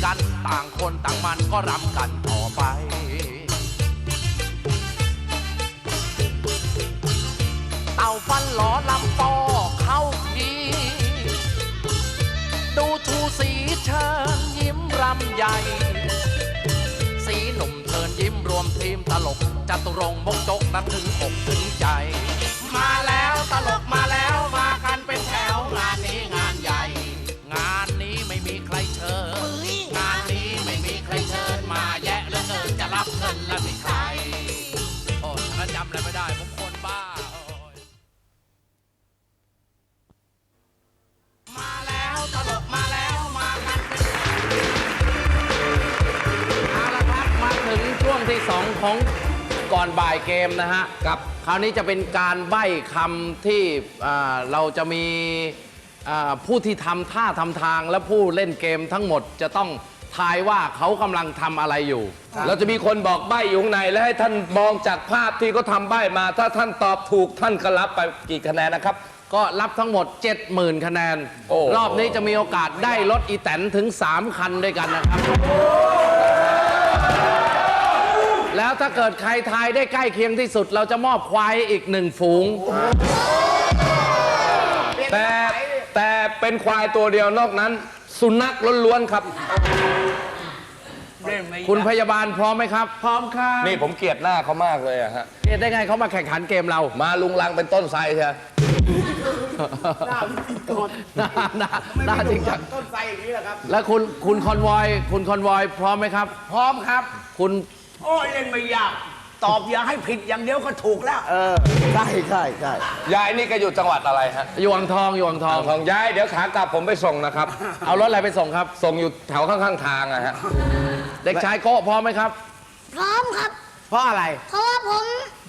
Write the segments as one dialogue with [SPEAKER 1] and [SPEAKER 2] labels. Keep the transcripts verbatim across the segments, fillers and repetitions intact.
[SPEAKER 1] กันต่างคนต่างมันก็รำกันต่อไปเต่าฟันหลอลำปอเข้าทีดูชูสีเชิญยิ้มรำใหญ่สีหนุ่มเชิญยิ้มรวมทีมตลกจตุรงค์มกจกนั้นถึงอกถึงใจมาแล้วตลกมาแล้วมากันเป็นแถวงานนี้งานใหญ่งานนี้ไม่มีใครเชิญงานนี้ไม่มีใครเชิญมาแยะเหลือเกินจะรับเงินแล้วมีใครโอ้ฉันจำอะไรไม่ได้ผมคนบ้ามาแล้วตลกมาแล้วมากันเป็นเอาละครับมาถึงช่วงที่สองของก่อนบ่ายเกมนะฮะกับคราวนี้จะเป็นการใบ้คำที่เราจะมีผู้ที่ทำท่าทำทางและผู้เล่นเกมทั้งหมดจะต้องทายว่าเขากำลังทำอะไรอยู่เราจะมีคนบอกใบ้อยู่ข้างในและให้ท่านมองจากภาพที่เขาทำใบ้มาถ้าท่านตอบถูกท่านก็รับไปกี่คะแนนนะครับก็รับทั้งหมด เจ็ดหมื่น คะแนนรอบนี้จะมีโอกาสได้รถอีแตนถึงสามคันด้วยกันนะครับแล้วถ้าเกิดใครทายได้ใกล้เคียงที่สุดเราจะมอบควายอีกหนึ่งฝูงแต่แต่เป็นควายตัวเดียวนอกนั้นสุนัขล้วนๆครับคุณพยาบาลพร้อมไหมครับพร้อมครับนี่ผมเกลียดหน้าเขามากเลยอะฮะเกลียดได้ไงเขามาแข่งขันเกมเรามาลุงลังเป็นต้นไทรใช่ไหมหน้าหน้าหน้าจริงจังต้นไทรอย่างนี้แหละครับแล้วคุณคุณคอนวอยคุณคอนวอยพร้อมไหมครับพร้อมครับคุณ
[SPEAKER 2] โอ้ยเล่นไม่ยากตอบอย่าให้ผิดอย่างเดียวก็ถูกแล้วเออใช่ใช่ใช่
[SPEAKER 3] ยายนี่ก็อยู่จังหวัดอะไรฮะ
[SPEAKER 1] อยู่อ่างทองอยู่อ่างทอง
[SPEAKER 3] ทองยายเดี๋ยวขากลับผมไปส่งนะครับ
[SPEAKER 1] เอารถอะไรไปส่งครับ
[SPEAKER 3] ส่งอยู่แถวข้างๆทางอะฮะ
[SPEAKER 1] เด็กชายโก้พร้อมไหมครับ
[SPEAKER 4] พร้อมครับ
[SPEAKER 2] เพราะอะไร
[SPEAKER 4] เพราะว่าผม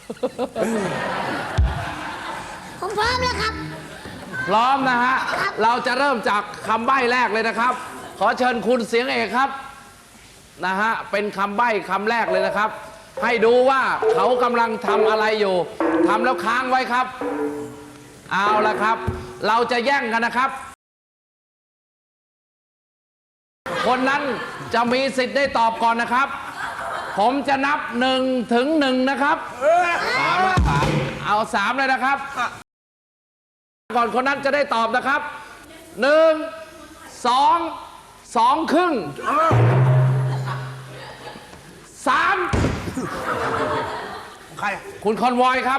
[SPEAKER 4] ผมพร้อมแล้วครับ
[SPEAKER 1] พร้อมนะฮะเราจะเริ่มจากคำใบ้แรกเลยนะครับขอเชิญคุณเสียงเอกครับนะฮะเป็นคำใบ้คำแรกเลยนะครับให้ดูว่าเขากำลังทำอะไรอยู่ทำแล้วค้างไว้ครับเอาละครับเราจะแย่งกันนะครับคนนั้นจะมีสิทธิ์ได้ตอบก่อนนะครับผมจะนับหนึ่งถึงหนึ่งนะครับสามสามเอาสามเลยนะครับก่อนคนนั้นจะได้ตอบนะครับหนึ่งสองสองครึ่งสาม
[SPEAKER 2] ใคร
[SPEAKER 1] คุณคอนวอยครับ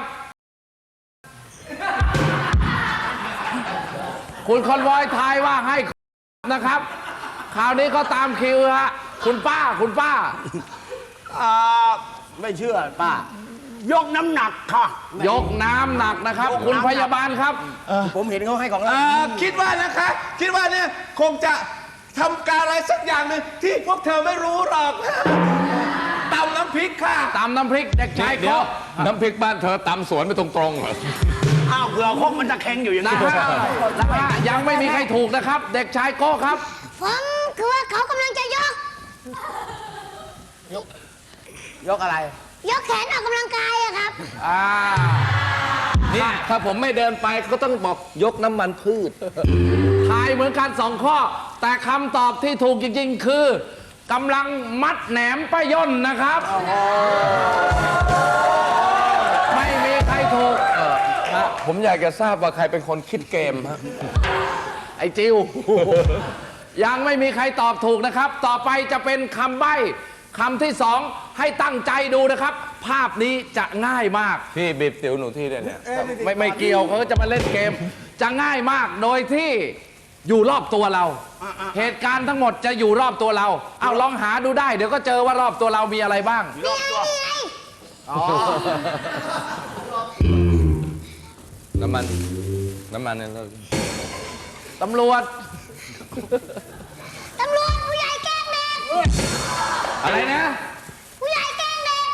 [SPEAKER 1] คุณคอนวอยทายว่าให้นะครับคราวนี้ก็ตามคิวฮะคุณป้าคุณป้า
[SPEAKER 2] อ่าไม่เชื่อป้ายกน้ำหนักค่ะ
[SPEAKER 1] ยกน้ำหนักนะครับคุณพยาบาลครับ
[SPEAKER 2] ผมเห็นเขาให้ของเรา
[SPEAKER 3] คิดว่านะคะคิดว่าเนี่ยคงจะทำการอะไรสักอย่างหนึ่งที่พวกเธอไม่รู้หรอกตำน้ำพริกค่ะ
[SPEAKER 1] ตำน้ำพริกเด็กชายก็
[SPEAKER 3] น้ำพริกบ้านเธอตำสวนไปตรงๆเหรอ
[SPEAKER 2] อ้าวเผื่อคงมันจะแข็งอยู่อย่างนี้
[SPEAKER 1] นะยังไม่มีใครถูกนะครับเด็กชายโก้ครับ
[SPEAKER 4] ผมคือว่าเขากำลังจะยก
[SPEAKER 2] ยกยกอะไร
[SPEAKER 4] ยกแขนออกกำลังกายอะครับ
[SPEAKER 1] อ่า
[SPEAKER 3] เนี่ยถ้าผมไม่เดินไปก็ต้องบอกยกน้ำมันพืช
[SPEAKER 1] ทายเหมือนกันสองข้อแต่คำตอบที่ถูกจริงๆคือกำลังมัดแหนมป้าย่นนะครับไม่มีใครถูก
[SPEAKER 3] ผมอยากจะทราบว่าใครเป็นคนคิดเกมฮะ
[SPEAKER 1] ไอ้จิวยังไม่มีใครตอบถูกนะครับต่อไปจะเป็นคำใบ้คำที่สองให้ตั้งใจดูนะครับภาพนี้จะง่ายมาก
[SPEAKER 3] พี่บีบสิวหนูที่เนี่ย
[SPEAKER 1] ไม่ไม่เกี่ยวเขาจะมาเล่นเกมจะง่ายมากโดยที่อยู่รอบตัวเราเหตุการณ์ทั้งหมดจะอยู่รอบตัวเราเอาลองหาดูได้เดี๋ยวก็เจอว่ารอบตัวเรามีอะไรบ้าง
[SPEAKER 4] รอบตัว
[SPEAKER 3] น้ำมันน้ำมันเนี่ย
[SPEAKER 1] ตำรวจ
[SPEAKER 4] ตำรวจผู้ใหญ่แกล้งเด็ก
[SPEAKER 1] อะไรนะ
[SPEAKER 4] ผู้ใหญ่แกล้งเด็ก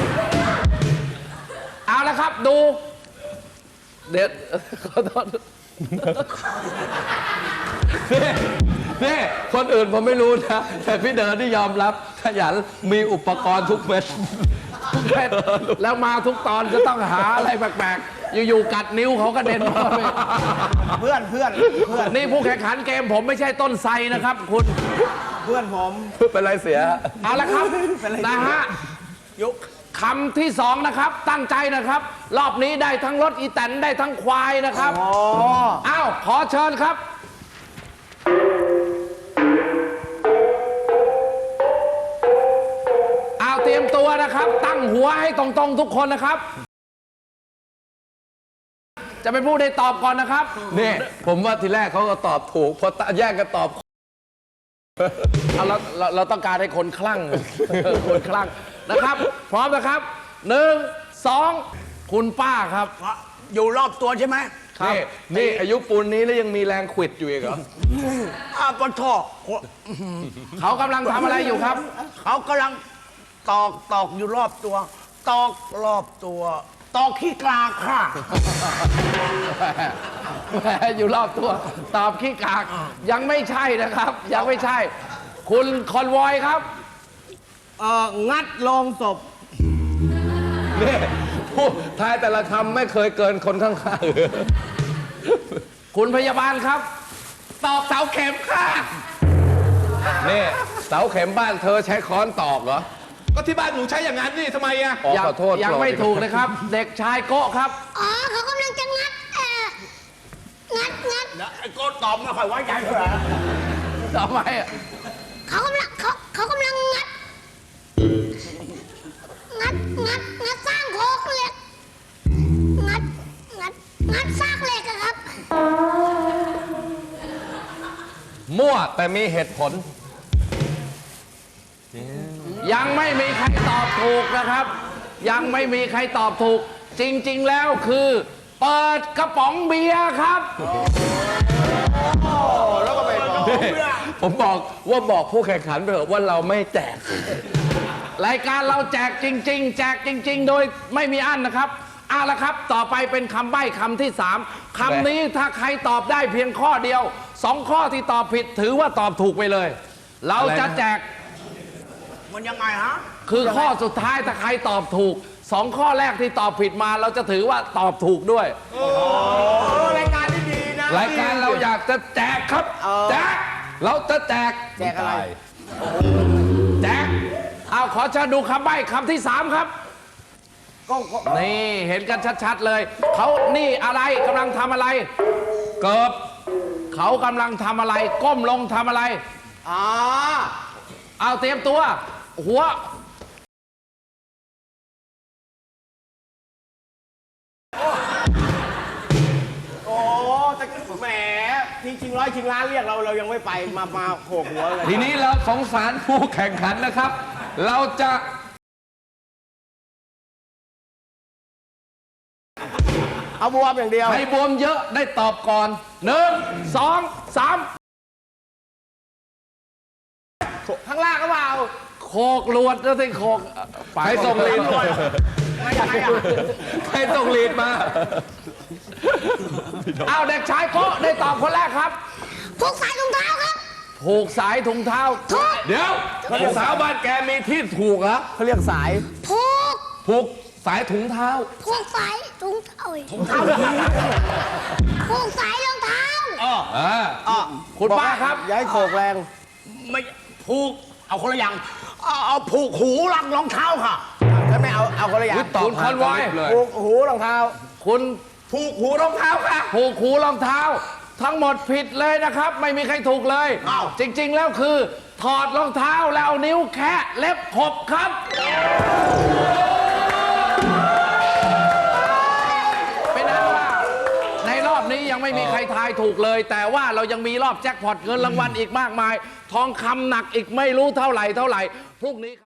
[SPEAKER 1] เอาละครับดูเด็ดขอโทษ
[SPEAKER 3] นี่คนอื่นผมไม่รู้นะแต่พี่เดินที่ยอมรับขยันมีอุปกรณ์ทุกเม็ด
[SPEAKER 1] ทุกเม็ดแล้วมาทุกตอนจะต้องหาอะไรแปลกๆอยู่ๆกัดนิ้วเขากระเด็นมา
[SPEAKER 2] เพื่อนเพื่อนเพื่อน
[SPEAKER 1] นี่ผู้แข่งขันเกมผมไม่ใช่ต้นไทรนะครับคุณ
[SPEAKER 2] เพื่อนผม
[SPEAKER 3] เป็นไรเสีย
[SPEAKER 1] เอาละครับนะฮะ
[SPEAKER 2] ยุค
[SPEAKER 1] คำที่สองนะครับ ตั้งใจนะครับ รอบนี้ได้ทั้งรถอีแตนได้ทั้งควายนะครับ
[SPEAKER 2] อ๋อ
[SPEAKER 1] อ้าวขอเชิญครับ อ้าวเตรียมตัวนะครับ ตั้งหัวให้ตรงๆทุกคนนะครับ จะเป็นผู้ได้ตอบก่อนนะครับ
[SPEAKER 3] นี่ผมว่าทีแรกเขาก็ตอบถูกพอแยกกันตอบ
[SPEAKER 1] เอาเราเราเราต้องการให้คนคลั่ง คนคลั่งนะครับ พร้อมนะครับหนึ่งสองคุณป้าครับ
[SPEAKER 2] อยู่รอบตัวใช่ไหม
[SPEAKER 3] นี่นี่อายุปูนนี้แล้วยังมีแรงขวิดอยู่อีกเหรอ
[SPEAKER 2] อ้าวปะทอ
[SPEAKER 1] เขากำลังทำอะไรอยู่ครับ
[SPEAKER 2] เขากำลังตอกตอกอยู่รอบตัว ตอกรอบตัว ตอกขี้กลาค่ะ
[SPEAKER 1] แหมอยู่รอบตัว ตอบขี้กาก ยังไม่ใช่นะครับ ยังไม่ใช่ คุณคอนวอยครับ
[SPEAKER 2] เอ่อ งัดลงศพ
[SPEAKER 3] นี่พูดทายแต่ละคำไม่เคยเกินคนข้างๆเลย
[SPEAKER 1] คุณพยาบาลครับ
[SPEAKER 3] ตอกเสาเข็มค่ะ นี่เสาเข็มบ้านเธอใช้ค้อนตอกเหรอ ก็ที่บ้านหนูใช้อย่างนั้นนี่ทำไมอะอ๋อ
[SPEAKER 1] ยัง
[SPEAKER 3] ขอโทษ
[SPEAKER 1] ยังไม่ถูกนะครับ เด็กชายโกะครับ
[SPEAKER 4] อ๋อเขากำลังจะงัดเอ่องัดงัด
[SPEAKER 2] ไอ้โก้ตอบไม่ค่อยไว้ใจเท่าไหร่
[SPEAKER 1] ทำไมอ่ะ
[SPEAKER 4] เขากำลังเขาเขากำลังงัด งัดงัดงัดสร้างโครงเหล็ก งัดงัดงัดซากเหล็กอะครับ
[SPEAKER 3] มั่วแต่มีเหตุผล
[SPEAKER 1] ยังไม่มีใครตอบถูกนะครับ ยังไม่มีใครตอบถูก จริง ๆ แล้วคือ เปิดกระป๋องเบียร์ครับ
[SPEAKER 3] ผมบอกว่าบอกผู้แข่งขันไปเถอะว่าเราไม่แจก
[SPEAKER 1] รายการเราแจกจริง ๆ แจกจริง ๆ โดยไม่มีอั้นนะครับเอาละครับ ต่อไปเป็นคำใบ้คำที่สามคำนี้ถ้าใครตอบได้เพียงข้อเดียวสองข้อที่ตอบผิดถือว่าตอบถูกไปเลย เราจะแจก
[SPEAKER 2] มันยังไงฮะ
[SPEAKER 1] คือข้อสุดท้ายถ้าใครตอบถูกสองข้อแรกที่ตอบผิดมา เราจะถือว่าตอบถูกด้วย
[SPEAKER 2] รายการที่ดีนะ
[SPEAKER 3] รายการเราอยากจะแจกครับ แจก เราจะแจก
[SPEAKER 2] แจกอะไร
[SPEAKER 1] แจกเอาขอเชิญดูคำใบ้คำที่สามครับ
[SPEAKER 2] ก็ก็
[SPEAKER 1] นี่เห็นกันชัดๆเลย เขานี่อะไรกำลังทำอะไร เกิบเขากำลังทำอะไร ก้มลงทำอะไร
[SPEAKER 2] อ่า
[SPEAKER 1] เอาเตรียมตัว หัว
[SPEAKER 2] โอ้แต่แหมทีชิงร้อยชิงล้านเรียกเราเรายังไม่ไปมามาโขกหัวเลย
[SPEAKER 3] ทีนี้เราสงสารผู้แข่งขันนะครับ เราจะ
[SPEAKER 2] เอาบวมอย่างเดียว
[SPEAKER 1] ใครบวมเยอะได้ตอบก่อนหนึ่งสองสาม
[SPEAKER 2] ข้างล่างก็เปล่า
[SPEAKER 1] โคกลวดแล้วสิโคกไป
[SPEAKER 3] ใครส่งลีด
[SPEAKER 2] ไม่ยังไงอ่ะ
[SPEAKER 3] ใครส่งลีดมา
[SPEAKER 1] เอาเด็กชายโกะได้ตอบคนแรกครับ
[SPEAKER 4] พวกสายรองเท้าครับ
[SPEAKER 1] ผูกสายถุงเท้า
[SPEAKER 4] ถูก
[SPEAKER 3] เดี๋ยวสาวบ้านแกมีที่ถูกเหรอ
[SPEAKER 2] เขาเรียกสาย
[SPEAKER 4] ผูก
[SPEAKER 3] ผูกสายถุงเท้า
[SPEAKER 4] ผูกสายถุงเท้าถุงเท้าผูกสายรองเท้า
[SPEAKER 3] อ่า
[SPEAKER 1] คุณป้าครับ
[SPEAKER 2] ย้ายโขกแรง ไม่ผูก เอาคนละอย่าง เอาเอาผูกหูรังรองเท้าค่ะฉันไม่เอาเอาคนละอย่าง
[SPEAKER 3] ตอบ
[SPEAKER 1] คุณคอนวอย
[SPEAKER 3] เลย
[SPEAKER 2] ผูกหูรองเท้า
[SPEAKER 1] คุณ
[SPEAKER 3] ผูกหูรองเท้าค่ะ
[SPEAKER 1] ผูกหูรองเท้า ทั้งหมดผิดเลยนะครับ ไม่มีใครถูกเลย
[SPEAKER 2] อ้าว
[SPEAKER 1] จริง ๆ แล้วคือ ถอดรองเท้าแล้วเอานิ้วแคะเล็บขบครับ เป็นนั้นว่าในรอบนี้ยังไม่มีใครทายถูกเลย แต่ว่าเรายังมีรอบแจ็คพอตเงินรางวัลอีกมากมาย ทองคำหนักอีกไม่รู้เท่าไหร่เท่าไหร่พรุ่งนี้